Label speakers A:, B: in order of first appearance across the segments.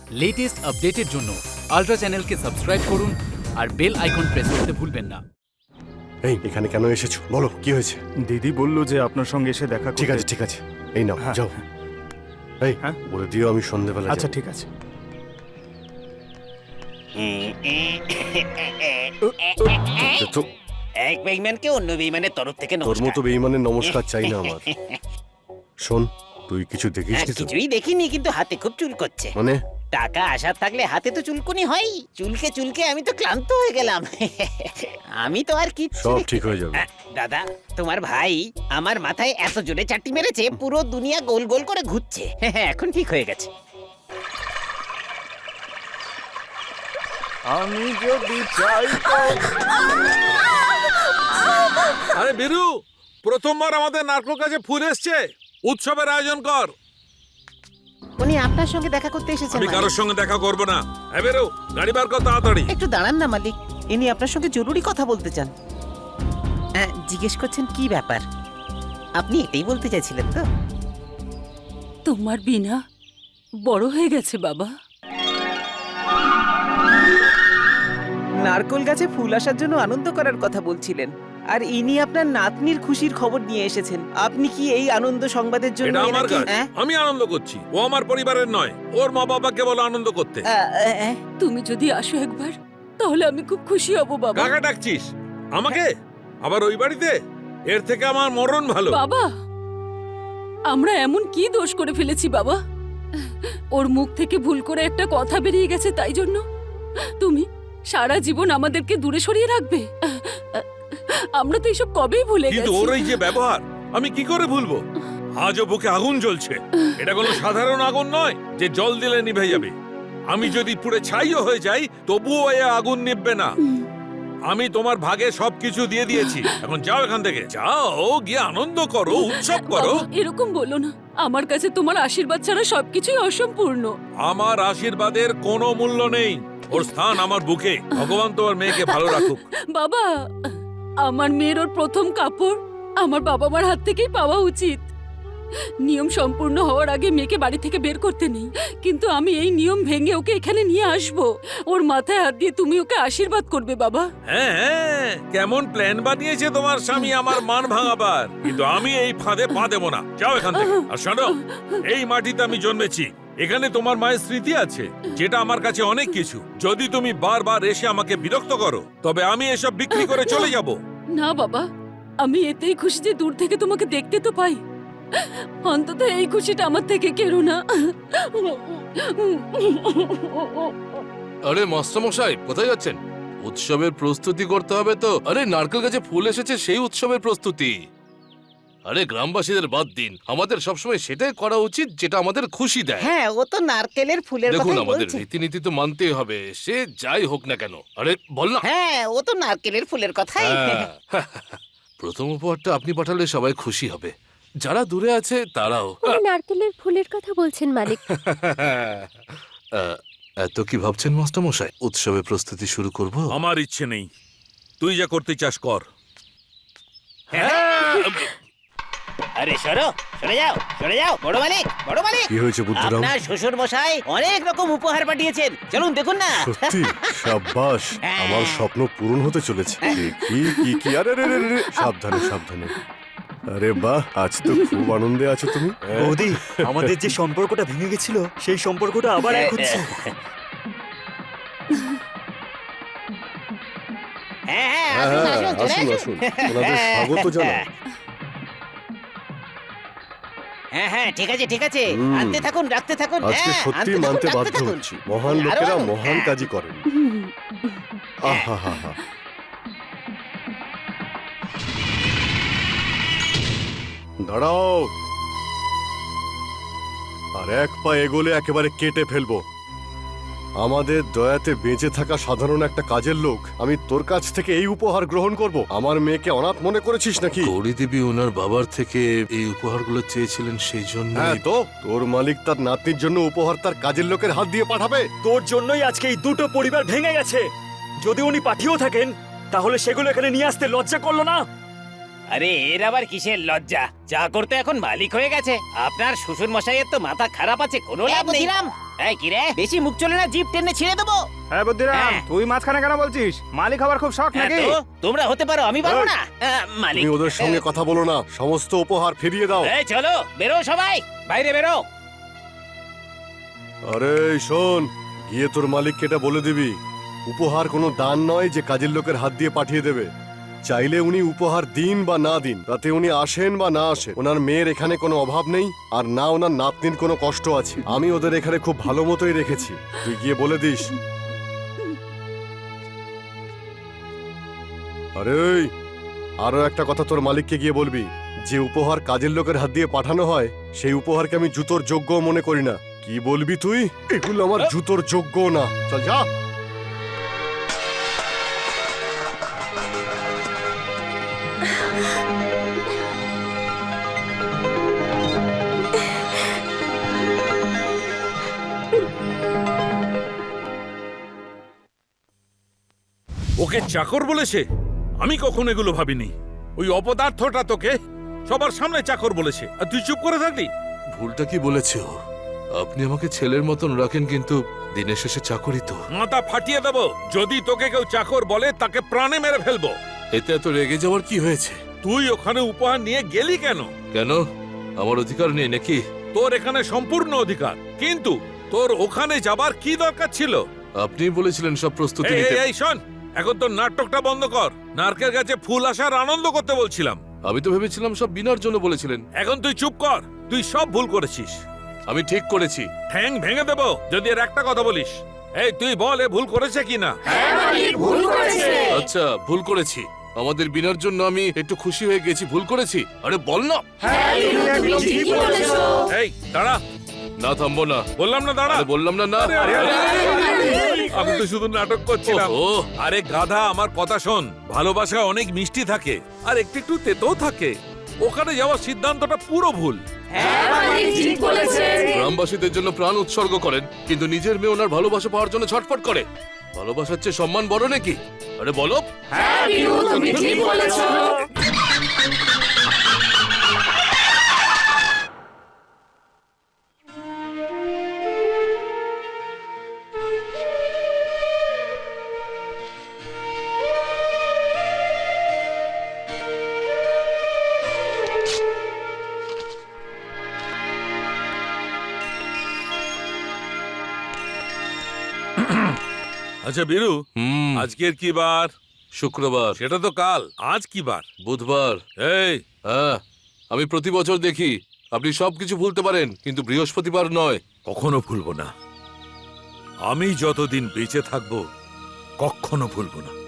A: Latest আপডেটের জন্য ultra চ্যানেলকে সাবস্ক্রাইব করুন আর বেল আইকন প্রেস করতে ভুলবেন না।
B: এই এখানে কেন এসেছো বলো, কি হয়েছে?
C: দিদি বলল যে আপনার সঙ্গে এসে দেখা করতে।
B: ঠিক আছে ঠিক আছে, এই নাও
C: হ্যাঁ,
B: যাও। এই
C: হ্যাঁ।
B: বলে দিও আমি সন্ধ্যেবেলা
C: আচ্ছা
B: যাবো।
C: ঠিক আছে।
B: তো
D: এক বেইমানকে অন্য বেইমানের তরফ থেকে
B: তোর
D: নমস্কার।
B: মতো বেঈমানের নমস্কার চাই না আমার। শোন, তুই কিছু দেখিস
D: হ্যাঁ,
B: নি তো?
D: কিছুই দেখিনি, কিন্তু হাতে খুব চুল করছে।
B: মানে
D: টাকা আসার থাকলে হাতে তো চুলকুনি হয়। চুলকে চুলকে আমি তো ক্লান্ত হয়ে গেলাম। আমি তো আর কিচ্ছু
B: সব
D: দেখতে-
B: ঠিক হয়ে যাবে।
D: দাদা, তোমার ভাই আমার মাথায় এত জোরে চাটি মেরেছে পুরো দুনিয়া গোল গোল করে ঘুরছে। এখন ঠিক হয়ে গেছে।
C: আমি যদি চাই তো
E: আরে বীরু, প্রথমবার আমাদের নারকেল গাছে ফুল এসছে, উৎসবের আয়োজন কর।
D: উনি আপনার সঙ্গে দেখা করতে এসেছেন।
E: আমি
D: মালিক।
E: কারোর সঙ্গে দেখা করব না। হ্যাঁ বেরো, গাড়ি বার কর তাড়াতাড়ি।
D: একটু দাঁড়ান না মালিক, ইনি আপনার সঙ্গে জরুরি কথা বলতে চান। জিজ্ঞেস করছেন কি ব্যাপার? আপনি এটাই বলতে চাইছিলেন তো?
F: তোমার বিনা বড় হয়ে গেছে বাবা।
G: নারকোল গাছে ফুল আসার জন্য আনন্দ করার কথা বলছিলেন, আর ইনি আপনার নাতনির খুশির খবর নিয়ে এসেছেন। আপনি কি এই আনন্দ সংবাদের জন্য
E: এটা আমার
G: এনাকে-
E: কাজ,
G: হ্যাঁ?
E: আমি আনন্দ করছি। ও আমার পরিবারের নয়, ওর মা বাবাকে বলো আনন্দ করতে।
F: তুমি যদি আসো একবার তাহলে আমি খুব খুশি হব বাবা।
E: কাকা ডাকছিস আমাকে? আবার ওই বাড়িতে? এর থেকে আমার মরণ ভালো।
F: বাবা, আমরা এমন কি দোষ করে ফেলেছি বাবা? ওর মুখ থেকে ভুল করে একটা কথা বেরিয়ে গেছে, তাই জন্য তুমি সারা জীবন আমাদেরকে দূরে সরিয়ে রাখবে? আমরা তো এইসব কবেই ভুলে
E: কিন্তু
F: গেছি।
E: ওর এই যে ব্যবহার, আমি কি করে ভুলবো? আজও বুকে আগুন জ্বলছে। এটা কোনো সাধারণ আগুন নয় যে জল দিলে নিভে যাবে। আমি যদি পুড়ে ছাইও হয়ে যাই তবুও এ আগুন নিভবে না। আমি তোমার ভাগে সবকিছু দিয়ে দিয়েছি, এখন যাও এখান থেকে। যাও, গিয়ে আনন্দ করো, উৎসব করো।
F: বাবা, এরকম বলো না। আমার কাছে তোমার আশীর্বাদ ছাড়া সবকিছুই অসম্পূর্ণ।
E: আমার আশীর্বাদের কোনো মূল্য নেই। ওর স্থান আমার বুকে। ভগবান তোমার মেয়েকে ভালো রাখুক।
F: বাবা, আমার মেয়ের ওর প্রথম কাপড় আমার বাবা মার হাত থেকেই পাওয়া উচিত। নিয়ম সম্পূর্ণ হওয়ার আগে মেয়েকে বাড়ি থেকে বের করতে নেই, কিন্তু আমি এই নিয়ম ভেঙে ওকে এখানে নিয়ে আসব। ওর মাথায় হাত দিয়ে তুমি ওকে আশীর্বাদ করবে বাবা।
E: হ্যাঁ হ্যাঁ, কেমন প্ল্যান বানিয়েছে তোমার স্বামী আমার মান ভাঙাবার, কিন্তু আমি এই ফাঁদে পা দেবো না। যাও এখান থেকে। আর শোনো, এই মাটিতে আমি জন্মেছি, এখানে তোমার মায়ের স্মৃতি আছে, যেটা আমার কাছে অনেক কিছু। যদি তুমি বারবার এসে আমাকে বিরক্ত করো তবে আমি এসব বিক্রি করে চলে যাব।
F: না বাবা, আমি এতেই খুশি যে দূর থেকে তোমাকে দেখতে তো পাই। অন্তত এই খুশিটা আমার থেকে কেড়ো না।
H: আরে মাস্টারমশাই, কোথায় যাচ্ছেন? উৎসবের প্রস্তুতি করতে হবে তো। আরে নারকেল গাছে ফুল এসেছে, সেই উৎসবের প্রস্তুতি। আরে গ্রামবাসীদের বাদ দিন, আমাদের সবসময় সেটাই করা উচিত যেটা আমাদের খুশি দেয়।
D: হ্যাঁ, ও তো নারকেলের ফুলের
H: দেখুন,
D: কথাই
H: আমাদের
D: বলছে।
H: রীতিনীতি তো মানতেই হবে, সে যাই হোক না কেন। আরে বল না।
D: হ্যাঁ, ও তো নারকেলের ফুলের কথাই।
H: হ্যাঁ। প্রথম উপহারটা আপনি পাঠালে সবাই খুশি হবে, যারা দূরে আছে তারাও।
I: নারকেলের ফুলের কথা বলছেন মালিক।
H: এত কি ভাবছেন মাস্টারমশাই? উৎসবের প্রস্তুতি শুরু করব।
E: আমার ইচ্ছে নেই, তুই যা করতে চাস কর।
D: আরে সরো, সরে যাও, সরে যাও। বড় মালিক, বড় মালিক,
B: কি হয়েছে বুদ্ধুরাম?
D: আপনার শ্বশুর মশাই অনেক রকম উপহার পাঠিয়েছেন, চলুন দেখুন না।
B: সত্যি? সাব্বাস, আমার স্বপ্ন পূরণ হতে চলেছে। কি কি কি, আরে রে রে রে, সাবধানে সাবধানে। আরে বাহ, আজ তো খুব আনন্দে আছো তুমি।
C: বৌদি, আমাদের যে সম্পর্কটা ভেঙে গেছিল সেই সম্পর্কটা আবার এক হচ্ছে।
D: হ্যাঁ হ্যাঁ,
B: হ্যাঁ
D: আসুন,
B: হ্যাঁ,
D: আসুন, চলে
B: আসুন
D: আসুন।
B: আসুন, ওনাদের স্বাগত জানান।
D: হ্যাঁ হ্যাঁ, ঠিক আছে ঠিক আছে, আনতে থাকুন, রাখতে থাকুন।
B: আজকে
D: হ্যাঁ,
B: সত্যি
D: আনতে থাকুন,
B: মানতে
D: রাখতে
B: বাধ্য
D: থাকুন।
B: হচ্ছি, মহান
D: আরো
B: লোকেরা
D: আনুন।
B: মহান
D: হ্যাঁ।
B: কাজই করেন। আহা হা হা। দাঁড়াও, আর এক পা এগোলে একেবারে কেটে ফেলবো। আমাদের দয়াতে বেঁচে থাকা সাধারণ একটা কাজের লোক, আমি তোর কাছ থেকে এই উপহার গ্রহণ করব? আমার মেয়েকে অনাথ মনে করেছিস নাকি?
H: গৌরী দেবী ওনার বাবার থেকে এই উপহারগুলো চেয়েছিলেন, সেই জন্য।
B: হ্যাঁ তো, তোর মালিক তার নাতনির জন্য উপহার তার কাজের লোকের হাত দিয়ে পাঠাবে?
C: তোর জন্যই আজকে এই দুটো পরিবার ভেঙে গেছে। যদি উনি পাঠিয়েও থাকেন তাহলে সেগুলো এখানে নিয়ে আসতে লজ্জা করলো না?
D: আরে এর আবার কিসের লজ্জা? যা করতে এখন মালিক হয়ে গেছে। আপনার শ্বশুর মশাইয়ের তো মাথা খারাপ আছে, কোনো লাভ নেই। এই কি রে, বেশি মুখ চলে না, জিপ টেনে ছিঁড়ে দেবো।
C: হ্যাঁ বুদ্ধিরাম,
D: হ্যাঁ।
C: তুই মাঝখানে কেন বলছিস? মালিক হবার খুব শখ
D: হ্যাঁ
C: নাকি?
D: তো, তোমরা হতে পারো, আমি পারবো না। মালিক,
B: তুমি ওদের সঙ্গে কথা বলো না, সমস্ত উপহার ফিরিয়ে দাও।
D: এই চলো, বেরো সবাই, বাইরে বেরো।
B: আরে শোন, গিয়ে তোর মালিককে এটা বলে দিবি, উপহার কোনো দান নয় যে কাজের লোকের হাত দিয়ে পাঠিয়ে দেবে। চাইলে উনি উপহার দিন বা না দিন, তাতে উনি আসেন বা না আসেন, ওনার মেয়ের এখানে কোনো অভাব নেই, আর না ওনার নাতনির কোনো কষ্ট আছে। আমি ওদের এখানে খুব ভালো মতোই রেখেছি, তুই গিয়ে বলে দিস। আরে ওই, আরো একটা কথা তোর মালিককে গিয়ে বলবি, যে উপহার কাজের লোকের হাত দিয়ে পাঠানো হয় সেই উপহারকে আমি জুতোর যোগ্য মনে করি না। কি বলবি তুই? এগুলো আমার জুতোর যোগ্য না। চল যা।
E: ওকে চাকর বলেছে? আমি কখনো এগুলো ভাবিনি। ওই অপদার্থটা তোকে সবার সামনে চাকর বলেছে, আর তুই চুপ করে থাকলি।
H: ভুলটা কি বলেছে ও? আপনি আমাকে ছেলের মতন রাখেন, কিন্তু দিনের শেষে চাকরি তো।
E: মাথা ফাটিয়ে দেবো যদি তোকে কেউ চাকর বলে, তাকে প্রাণে মেরে ফেলবো।
H: এতে এত রেগে যাওয়ার কি হয়েছে?
E: তুই ওখানে উপহার নিয়ে গেলি কেন?
H: কেন, আমার অধিকার নেই নাকি?
E: তোর এখানে সম্পূর্ণ অধিকার, কিন্তু তোর ওখানে যাবার কি দরকার ছিল?
H: আপনিই বলেছিলেন সব প্রস্তুতি
E: এই,
H: নিতে।
E: এই, এই, শোন, এখন তোর নাটকটা বন্ধ কর। নারকেল গাছে ফুল আসার আনন্দ করতে বলছিলাম।
H: আমি তো ভেবেছিলাম সব বিনার জন্য বলেছিলেন।
E: এখন তুই চুপ কর, তুই সব ভুল করেছিস।
H: আমি ঠিক করেছি।
E: ঠ্যাং ভেঙে দেবো যদি এর একটা কথা বলিস। এই তুই বল, এ ভুল করেছে কিনা?
H: আচ্ছা, ভুল করেছি। আমাদের বিনার জন্য আমি একটু খুশি হয়ে গেছি, ভুল করেছি। আরে বল না।
E: এই দাঁড়া।
H: না, থামবো না।
E: বললাম না দাঁড়া।
H: আরে বললাম না। না,
E: আমি তো শুধু নাটক করছিলাম।
H: ওহো।
E: আরে গাধা, আমার কথা শোন। ভালোবাসা অনেক মিষ্টি থাকে, আর একটু একটু তেতো থাকে। ওখানে যাওয়ার সিদ্ধান্তটা পুরো ভুল।
H: গ্রামবাসীদের জন্য প্রাণ উৎসর্গ করেন, কিন্তু নিজের মেয়ে ওনার ভালোবাসা পাওয়ার জন্য ছটফট করে। ভালোবাসার চেয়ে সম্মান বড় নাকি? আরে বলো।
E: আচ্ছা বীরু, আজকের কি বার?
H: শুক্রবার।
E: সেটা তো কাল। আজ কি বার?
H: বুধবার।
E: এই,
H: হ্যাঁ, আমি প্রতি বছর দেখি আপনি সবকিছু ভুলতে পারেন, কিন্তু বৃহস্পতিবার নয়।
E: কখনো ভুলবো না। আমি যতদিন বেঁচে থাকবো কখনো ভুলবো না।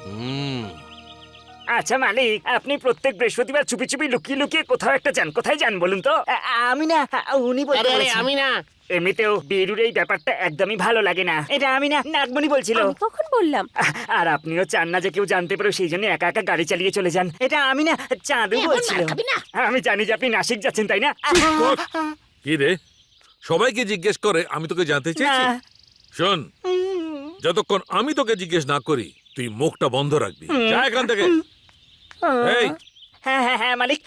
C: আচ্ছা মালিক, আপনি প্রত্যেক বৃহস্পতিবার চুপি চুপি লুকিয়ে লুকিয়ে কোথাও একটা যান। কোথায় যান বলুন তো?
D: আমি না, উনি বলতে বলেছেন।
G: আমি না।
C: এমনিতেও বীরুর এই ব্যাপারটা একদমই ভালো লাগে না। এটা আমি না, নাগমণি বলছিল।
I: আমি কখন বললাম?
C: আর আপনিও চান না যে কেউ জানতে পারে, সেই জন্য একা একা গাড়ি চালিয়ে চলে যান। এটা আমি না, চাঁদু বলছিল। আমি জানি যে আপনি নাসিক যাচ্ছেন, তাই না?
E: কি রে, সবাইকে জিজ্ঞেস করে আমি তোকে জানতে চেয়েছি?
C: না।
E: শোন, যতক্ষণ আমি তোকে জিজ্ঞেস না করি তুই মুখটা বন্ধ রাখবি। যা এখান থেকে। এই,
C: হ্যাঁ হ্যাঁ হ্যাঁ মালিক।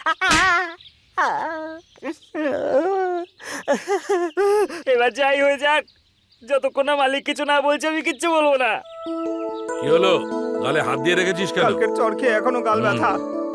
C: এবার যাই হয়ে যাক, যতক্ষণ না মালিক কিছু না বলছে আমি কিচ্ছু বলবো না।
E: কি হলো? গালে হাত দিয়ে রেখেছিস কেন?
C: কালকের চড় খেয়ে এখনো গাল ব্যথা।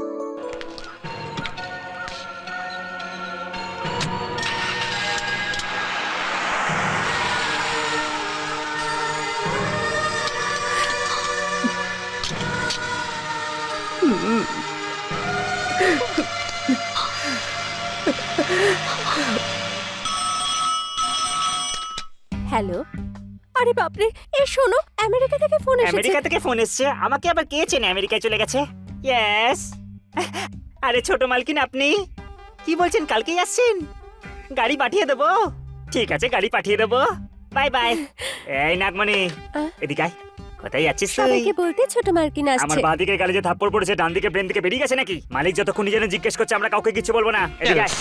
I: হ্যালো, আরে বাপরে, এই শোনো, আমেরিকা থেকে ফোন এসেছে।
C: আমেরিকা থেকে ফোন এসছে? আমাকে আবার কে চেনে আমেরিকায় চলে গেছে? ইয়েস। আরে ছোট মালকিন, আপনি কি বলছেন? কালকেই আসছেন? গাড়ি পাঠিয়ে দেবো? ঠিক আছে, গাড়ি পাঠিয়ে দেবো। Bye bye. এই নাগমণি, এদিকে আয়। কোথায় যাচ্ছিস তুই?
I: সবাইকে বলতে ছোট মার্কিন
C: আমার
I: আসছে।
C: বাঁ দিকে গালে যে থাপ্পড় পড়েছে, ডান দিকে ব্রেন থেকে বেরিয়ে গেছে নাকি? মালিক যতক্ষণ নিজে জিজ্ঞেস করছে, আমরা কাউকে কিছু বলবো না। এদিকে আয়।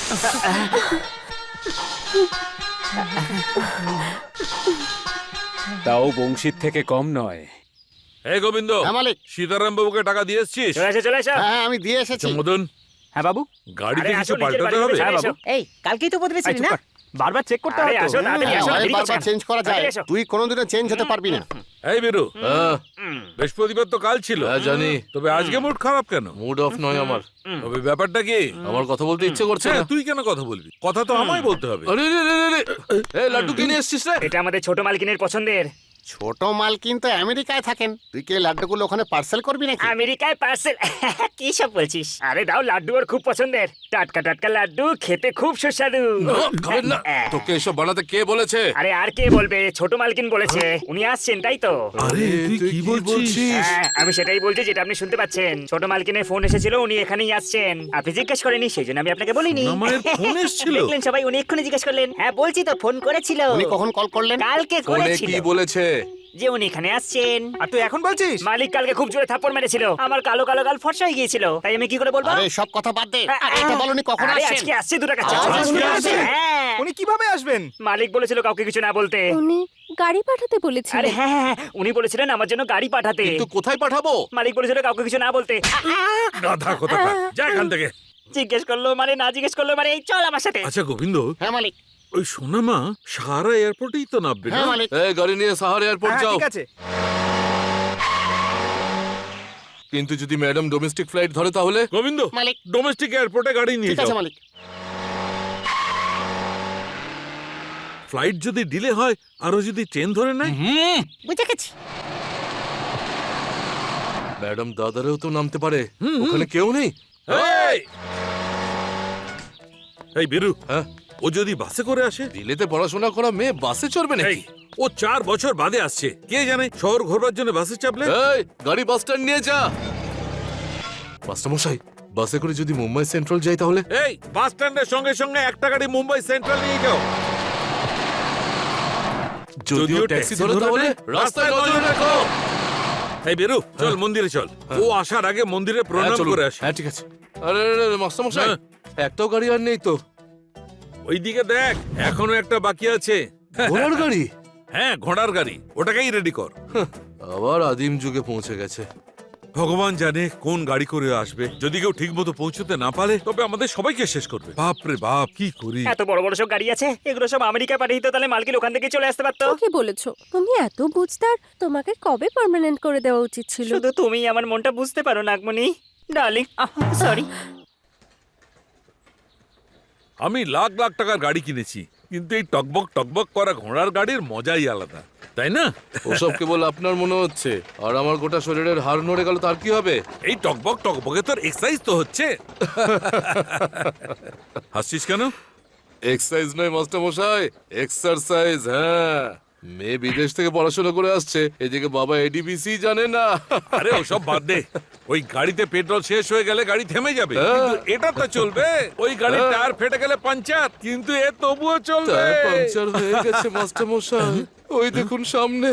J: তাও বংশীর থেকে কম নয়।
E: এই গোবিন্দ,
K: মালিক।
E: সীতারাম বাবুকে টাকা দিয়ে এসছিস?
C: চলে এসো, চলে এসো।
K: হ্যাঁ আমি দিয়ে এসেছি।
E: আচ্ছা, মদন,
J: হ্যাঁ বাবু।
E: গাড়িতে
C: আরে
E: কিছু
C: আসো, নিজের
E: পাল্টাতে
C: বাড়িতে
E: হবে?
C: চলে
J: হ্যাঁ
C: এসো।
J: বাবু।
D: এই কালকেই তো বদলেছিলি না?
J: বারবার চেক করতে
C: আরে
J: হয় তো।
C: আসো তাড়াতাড়ি আসো,
B: হ্যাঁ,
C: দেরি
B: বারবার
C: করছেন।
B: চেঞ্জ করা যায়
C: তাড়াতাড়ি এসো।
B: তুই কোনোদিনও চেঞ্জ হতে পারবি না
E: এই বেরু
H: হ্যাঁ
E: বৃহস্পতিবার তো কাল ছিল
H: হ্যাঁ, জানি
E: তবে আজকে মুড খারাপ কেন?
H: মুড অফ নয় আমার
E: তবে ব্যাপারটা কি?
H: আমার কথা বলতে ইচ্ছে করছে
E: হ্যাঁ,
H: না
E: তুই কেন কথা বলবি? কথা তো আমায় বলতে হবে।
H: আরে রে রে রে রে এই লাড্ডু কিনে এসেছিস রে
C: এটা আমাদের ছোট মালকিনের পছন্দের।
B: ছোট মালকিন তো আমেরিকায় থাকেন তুই কি এই লাড্ডুগুলো ওখানে পার্সেল করবি নাকি
C: আমেরিকায় পার্সেল কি সব বলছিস? আরে দাও, লাড্ডু ওর খুব পছন্দের। টাটকা টাটকা লাড্ডু, খেতে খুব সুস্বাদু।
H: খাবেন না তোকে এসব বানাতে কে বলেছে
C: আরে আর কে বলবে? ছোট মালকিন বলেছে। উনি আসছেন তাই তো?
E: আরে তুই কি বলছিস?
C: হ্যাঁ, আমি সেটাই বলছি যেটা আপনি শুনতে পাচ্ছেন। ছোট মালকিনের ফোন এসেছিল, উনি এখানেই আসছেন। আপনি জিজ্ঞেস করেনি, সেই জন্য আমি আপনাকে বলিনি।
E: আমার ফোন এসেছিল?
C: দেখলেন সবাই, উনি এক্ষুনি জিজ্ঞেস করলেন। হ্যাঁ বলছি তো, ফোন করেছিল।
B: উনি কখন কল করলেন
C: কালকে
H: ফোনে
C: করেছিল
H: কি বলেছে
C: যে উনি এখানে আসছেন।
J: আর তুই এখন বলছিস?
C: মালিক কালকে খুব জোরে থাপ্পড় মেরেছিল, আমার কালো কালো গাল ফর্সা হয়ে গিয়েছিল। তাই আমি কি করে বলবো?
B: আরে সব কথা বাদ দে আরে এটা বলনি কখন
C: আরে
B: আসছেন
C: আজকে আসছে, 2 টাকা
B: আজকে আসছে?
C: হ্যাঁ,
J: উনি কিভাবে আসবেন?
C: মালিক বলেছিল কাউকে কিছু না বলতে।
I: উনি গাড়ি পাঠাতে
C: আরে
I: বলেছিলেন।
C: হ্যাঁ হ্যাঁ, হ্যাঁ, উনি বলেছিলেন আমার জন্য গাড়ি পাঠাতে।
H: কিন্তু কোথায় পাঠাবো
C: মালিক বলেছিল কাউকে কিছু না বলতে।
E: গাধা কথা যা এখান থেকে।
C: জিজ্ঞেস করলো মানে, না জিজ্ঞেস করলো মানে, এই চল আমার সাথে।
E: আচ্ছা গোবিন্দ,
B: হ্যাঁ মালিক
E: ওই সোনামা সাহারা এয়ারপোর্টেই তো নামবে না?
B: হ্যাঁ মালিক
H: এই গাড়ি নিয়ে সাহার এয়ারপোর্ট
J: হ্যাঁ,
H: যাও
J: ঠিক আছে।
H: কিন্তু যদি ম্যাডাম ডোমেস্টিক ফ্লাইট ধরে তাহলে
E: গোবিন্দ,
B: মালিক
E: ডোমেস্টিক এয়ারপোর্টে গাড়ি নিয়ে
B: ঠিক আছে
E: যাও।
B: মালিক
E: ফ্লাইট যদি ডিলে হয়, আরো যদি ট্রেন ধরে নেয়,
B: বুঝে গেছি
H: ম্যাডাম দাদারেও তো নামতে পারে ওখানে কেউ নেই
E: এই! এই বেরু,
H: হ্যাঁ
E: ও যদি বাসে করে আসে?
H: দিল্লিতে পড়াশোনা করা মেয়ে বাসে চড়বে
E: এই,
H: নাকি
E: ও 4 বছর বাদে আসছে, কে জানে শহর ঘোরবার জন্য বাসে চাপলে।
H: এই গাড়ি বাস স্ট্যান্ড নিয়ে যা মাস্টার মশাই বাসে করে যদি মুম্বাই সেন্ট্রাল যাই তাহলে
E: এই বাস স্ট্যান্ডের সঙ্গে সঙ্গে একটা গাড়ি মুম্বাই সেন্ট্রাল নিয়ে যাও।
H: যদিও ট্যাক্সি ধরে তাহলে রাস্তায় নজর রাখো
E: এই বেরু, চল মন্দিরে চল। ও আসার আগে মন্দিরে
H: হ্যাঁ,
E: প্রণাম
H: চলুন।
E: করে আসি।
H: হ্যাঁ ঠিক আছে আরে মাস্টার মশাই
E: হ্যাঁ।
H: একটাও গাড়ি আর নেই তো
E: ওইদিকে দেখ, এখনো একটা বাকি আছে।
H: ঘোড়ার গাড়ি
E: হ্যাঁ, ঘোড়ার গাড়ি, ওটাকেই রেডি কর।
H: আবার আদিম যুগে পৌঁছে গেছে
E: ভগবান জানে কোন গাড়ি করে আসবে। যদি কেউ ঠিক মতো পৌঁছতে না পারে তবে আমাদের সবাইকে শেষ করবে। বাপ রে বাপ, কি করি?
C: এত বড় বড় সব গাড়ি আছে, এগুলো সব আমেরিকা পাঠিয়ে দিত, তাহলে মালকিন ওখান থেকে চলে আসতে পারতো।
I: কি বলেছো? তুমি এত বুঝতার, তোমাকে কবে পার্মানেন্ট করে দেওয়া উচিত ছিল।
C: শুধু তুমি আমার মনটা বুঝতে পারো নাগমণি, ডার্লিং। সরি।
E: আমি লাখ লাখ টাকার গাড়ি কিনেছি, কিন্তু এই টকবক টকবক করা ঘোড়ার গাড়ির মজাই আলাদা, তাই না?
H: ওসব কেবল আপনার মনে হচ্ছে আর আমার গোটা শরীরের হাড় নড়ে গেল তার কি হবে
E: এই টকবক টকবকে তোর এক্সারসাইজ তো হচ্ছে। হাসছিস কেন?
H: এক্সারসাইজ নয় মাস্টার মশাই এক্সারসাইজ হ্যাঁ মেয়ে বিদেশ থেকে পড়াশোনা করে আসছে এদিকে বাবা এডিবিসি জানে না
E: আরে ওসব বাদ দে, ওই গাড়িতে পেট্রোল শেষ হয়ে গেলে গাড়ি থেমে যাবে,
H: হ্যাঁ।
E: কিন্তু এটা তো চলবে। ওই গাড়ির
H: হ্যাঁ।
E: টায়ার ফেটে গেলে পাঞ্চার, কিন্তু এ তবুও চলবে।
H: টায়ার পাংচার হয়ে গেছে মাস্টার মশাই ওই দেখুন সামনে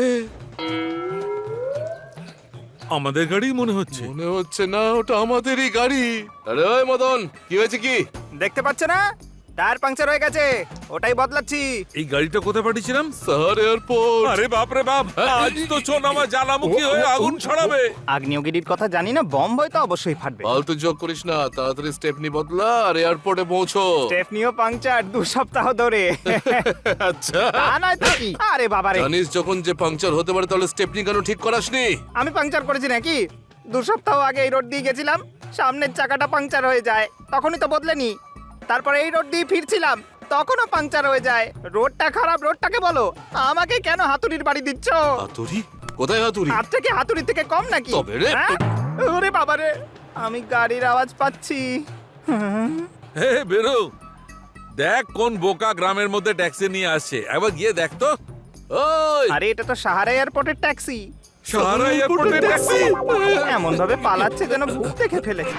E: আমাদের গাড়ি মনে হচ্ছে।
H: মনে হচ্ছে না ওটা আমাদেরই গাড়ি আরে ওই মদন কি হয়েছে কি
J: দেখতে পাচ্ছ না? টায়ার পাংচার হয়ে গেছে, ওটাই বদলাচ্ছি।
E: এই গাড়িটা কোথায় পাঠিয়েছিলাম?
H: শহর এয়ারপোর্ট
E: আরে বাপ রে বাপ, আজ তো সোনামা জ্বালামুখী হয়ে আগুন ছড়াবে।
J: আগ্নেয়গিরির কথা জানি না, বম্ব হয়তো অবশ্যই ফাটবে।
H: ফালতু যোগ করিস না তাড়াতাড়ি স্টেপনি বদলা আর এয়ারপোর্টে পৌঁছো
J: স্টেফনিও পাংচার 2 সপ্তাহ ধরে।
H: আচ্ছা
J: তা নয় তো কি? আরে বাবারে,
H: জানিস যখন যে পাংচার হতে পারে তাহলে স্টেপনি কেন ঠিক করাসনি
J: আমি পাংচার করেছি নাকি? 2 সপ্তাহ আগে এই রোড দিয়ে গেছিলাম, সামনের চাকাটা পাংচার হয়ে যায়, তখনই তো বদলেনি। তারপরে এই রোড দিয়ে ফিরছিলাম, তখনও পাংচার হয়ে যায়। রোডটা খারাপ, রোডটাকে বলো। আমাকে কেন হাতুড়ির বাড়ি দিচ্ছ?
H: হাতুড়ি কোথায় হাতুড়ি
J: হাতটা কি হাতুড়ির থেকে কম নাকি?
H: তবে রে,
J: হ্যাঁ? ওরে বাবারে, আমি গাড়ির আওয়াজ পাচ্ছি।
E: হে বেরো, দেখ কোন বোকা গ্রামের মধ্যে ট্যাক্সি নিয়ে আসছে, একবার গিয়ে দেখ তো।
H: ওই
J: আরে এটা তো সাহারা এয়ারপোর্টের ট্যাক্সি।
E: সাহারা এয়ারপোর্টের ট্যাক্সি।
J: এমন ভাবে পালাচ্ছে যেন ভূত দেখে ফেলেছে।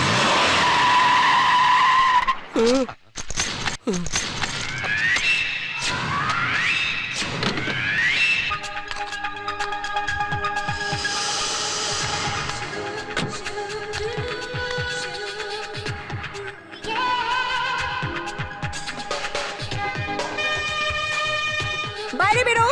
I: বাইরে বেরো।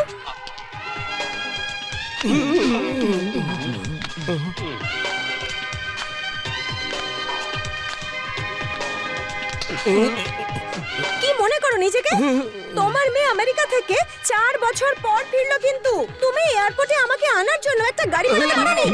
I: কি মনে করো নিজেকে? তোমার মেয়ে আমেরিকা থেকে 4 বছর পর ফিরলো, কিন্তু তুমি এয়ারপোর্টে আমাকে আনার জন্য একটা গাড়ি পাঠাতে পারোনি।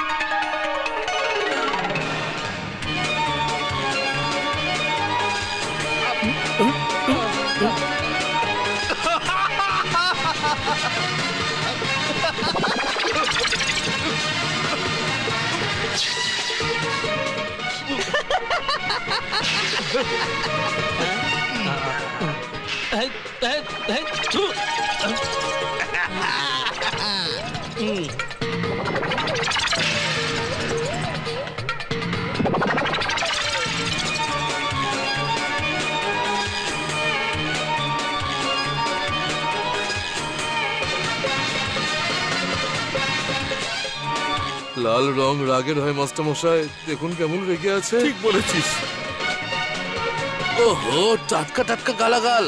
H: লাল রং রাগের হয় মাস্টার মশাই, দেখুন কেমন রেগে আছে।
E: ঠিক বলেছিস।
H: ওহো, টাটকা টাটকা গালাগাল।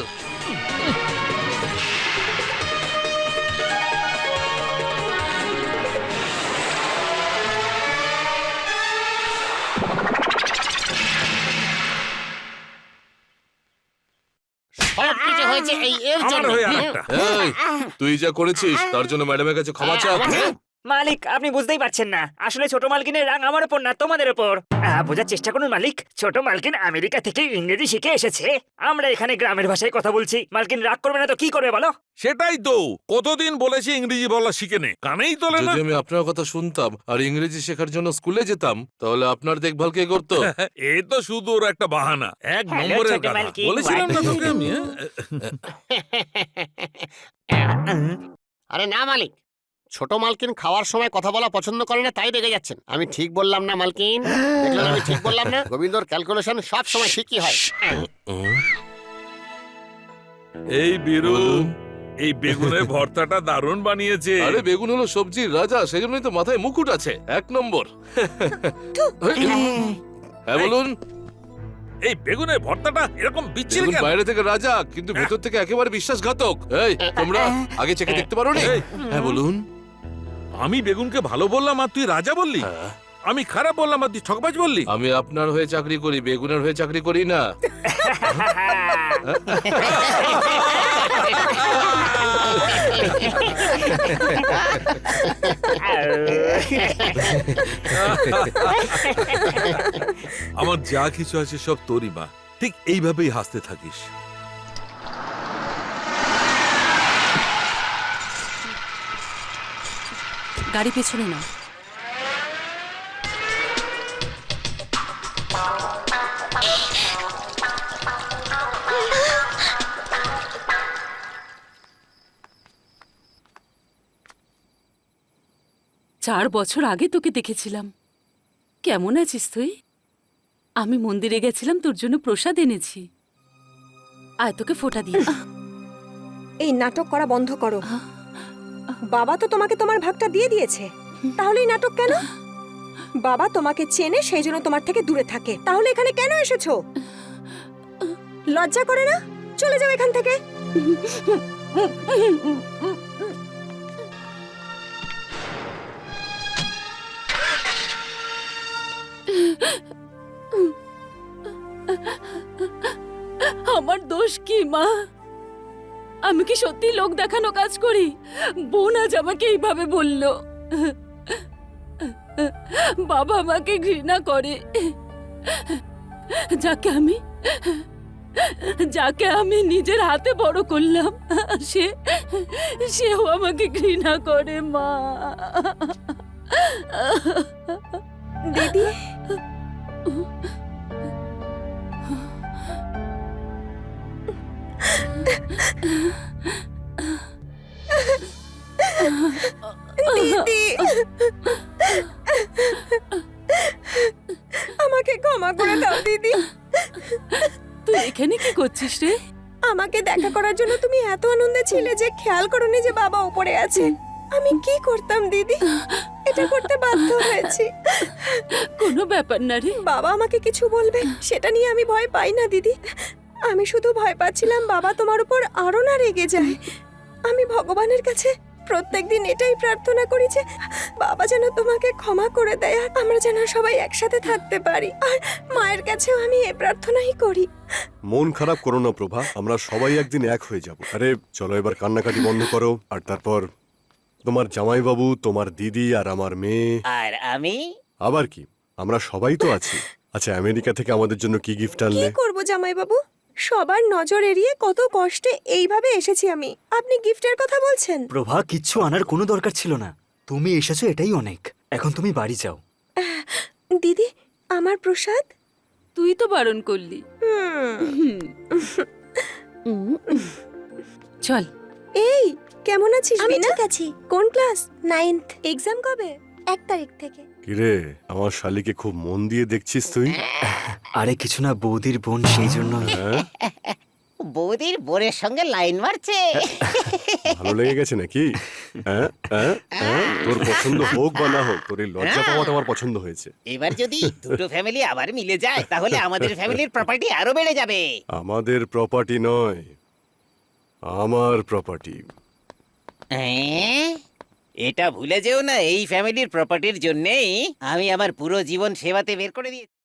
K: সবকিছু হয়েছে এই এর
E: আমার
K: জন্য।
E: হয়ে আরেকটা।
H: এই, তুই যা করেছিস তার জন্য ম্যাডামের কাছে ক্ষমা চা।
C: মালিক, আপনি বুঝতেই পারছেন না, আসলে ছোট মালকিনের রাগ আমার উপর না, তোমাদের উপর। বোঝার চেষ্টা করুন মালিক, ছোট মালকিন আমেরিকা থেকে ইংরেজি শিখে এসেছে, আমরা এখানে গ্রামের ভাষায় কথা বলছি। মালকিন রাগ করবে না তো কি করবে বলো?
E: সেটাই তো, কতদিন বলেছি ইংরেজি বলা শিখে নে, কানেই তোলে না।
H: যদি আমি আপনার কথা শুনতাম আর ইংরেজি শেখার জন্য স্কুলে যেতাম, তাহলে আপনার দেখভাল কে করতো?
E: এ তো শুধু ওর একটা বাহানা, এক
C: হ্যালো,
E: নম্বরের
C: ছোট
E: গাধা।
C: মালকিন,
E: বলেছিলাম না তোকে আমি,
K: আরে না মালিক, ছোট মালকিন খাওয়ার সময় কথা বলা পছন্দ করে না, তাই রেগে যাচ্ছেন। আমি ঠিক বললাম না মালকিন? দেখলেন আমি ঠিক বললাম না? গোবিন্দর ক্যালকুলেশন সব সময় ঠিকই হয়।
E: এই বীরু,
H: বলুন।
E: এই বেগুনের ভর্তাটা দারুণ বানিয়েছে।
H: আরে বেগুন হলো সবজির রাজা, সেজন্যই তো মাথায় মুকুট আছে, এক নম্বর। হ্যাঁ বলুন।
E: এই বেগুনের ভর্তাটা এরকম বিচ্ছিরি
H: বেগুন
E: কেন?
H: বাইরে থেকে রাজা, কিন্তু ভেতর থেকে একেবারে বিশ্বাসঘাতক। এই, তোমরা আগে চেখে দেখতে পারো নি?
E: এই।
H: হ্যাঁ বলুন।
E: আমি বেগুনকে ভালো বললাম আর তুই রাজা বললি?
H: হ্যাঁ।
E: আমি খারাপ বললাম আর তুই ঠকবাজ বললি?
H: আমি আপনার হয়ে চাকরি করি, বেগুনের হয়ে চাকরি করি না।
E: আমার যা কিছু আছে সব তোরই মা, ঠিক এইভাবেই হাসতে থাকিস।
F: গাড়ি পেছনে নাও। চার বছর আগে তোকে দেখেছিলাম। কেমন আছিস তুই? আমি মন্দিরে গেছিলাম, তোর জন্য প্রসাদ এনেছি। আয় তোকে ফোঁটা দিয়ে।
I: এই নাটক করা বন্ধ করো। বাবা তো তোমাকে তোমার ভাগটা দিয়ে দিয়েছে, তাহলে এই নাটক কেন? বাবা তোমাকে চেনে, সেই জন্য তোমার থেকে দূরে থাকে। তাহলে এখানে কেন এসেছো? লজ্জা করে না? চলে যাও এখান থেকে।
F: আমার দোষ কি মা? আমি কি সত্যি লোক দেখানো কাজ করি? বোন আজ আমাকে এইভাবে বলল। বাবা আমাকে ঘৃণা করে, যাকে আমি নিজের হাতে বড় করলাম, সেও আমাকে ঘৃণা করে মা।
I: দিদি, দিদি, আমাকে ক্ষমা করে দাও দিদি।
F: তুই এখানে কি করছিস রে?
I: আমাকে দেখা করার জন্য তুমি এত আনন্দে ছিলে যে খেয়াল করোনি যে বাবা উপরে আছে। আমি কি করতাম দিদি, এটা করতে বাধ্য হয়েছি।
F: কোনো ব্যাপার না রে।
I: বাবা আমাকে কিছু বলবে সেটা নিয়ে আমি ভয় পাই না দিদি। আমি শুধু ভয় পাচ্ছিলাম বাবা তোমার উপর আরো না রেগে যায়। আমি ভগবানের কাছে প্রত্যেকদিন এটাই প্রার্থনা করি যে বাবা যেন তোমাকে ক্ষমা করে দেয় আর আমরা যেন সবাই একসাথে থাকতে পারি। আর মায়ের কাছেও আমি এই প্রার্থনাই করি।
B: মন খারাপ করো না প্রভা, আমরা সবাই একদিন এক হয়ে যাব। আরে চলো এবার কান্নাকাটি বন্ধ করো। আর তারপর তোমার জামাইবাবু, তোমার দিদি আর আমার মেয়ে।
D: আর আমি
B: আবার কি, আমরা সবাই তো আছি। আচ্ছা, আমেরিকা থেকে আমাদের জন্য কি গিফট
I: কি
B: আনলে?
I: করব জামাইবাবু, সবার নজর এড়িয়ে কত কষ্টে এইভাবে এসেছি আমি, আপনি গিফটের কথা বলছেন?
L: প্রভা, কিচ্ছু আনার কোনো দরকার ছিল না। তুমি এসেছো এটাই অনেক। এখন তুমি বাড়ি যাও।
I: দিদি, আমার প্রসাদ।
F: তুই তো বারণ করলি। চল।
I: এই কেমন আছিস? আমি ঠিক আছি। কোন ক্লাস? 9th। এক্সাম কবে? 1 তারিখ থেকে।
B: কিরে, আমার শালিকে খুব মন দিয়ে দেখছিস তুই?
L: আরে কিছু না, বৌদির বোন, সেই জন্য।
B: হ্যাঁ,
D: বৌদির বোনের সঙ্গে লাইন মারছে।
B: ভালো লেগে গেছে নাকি? হ্যাঁ, হ্যাঁ, হ্যাঁ? তোর পছন্দ হোক বা না হোক, তোর এই লজ্জা পাওয়াটা আমার পছন্দ হয়েছে।
D: এবার যদি দুটো ফ্যামিলি আবার মিলে যায় তাহলে আমাদের ফ্যামিলির প্রপার্টি আরো বেড়ে যাবে।
B: আমাদের প্রপার্টি নয়, আমার প্রপার্টি।
D: এটা ভুলে যেও না, এই ফ্যামিলির প্রপার্টির জন্যই আমি আমার পুরো জীবন সেবাতে বের করে দিয়েছি।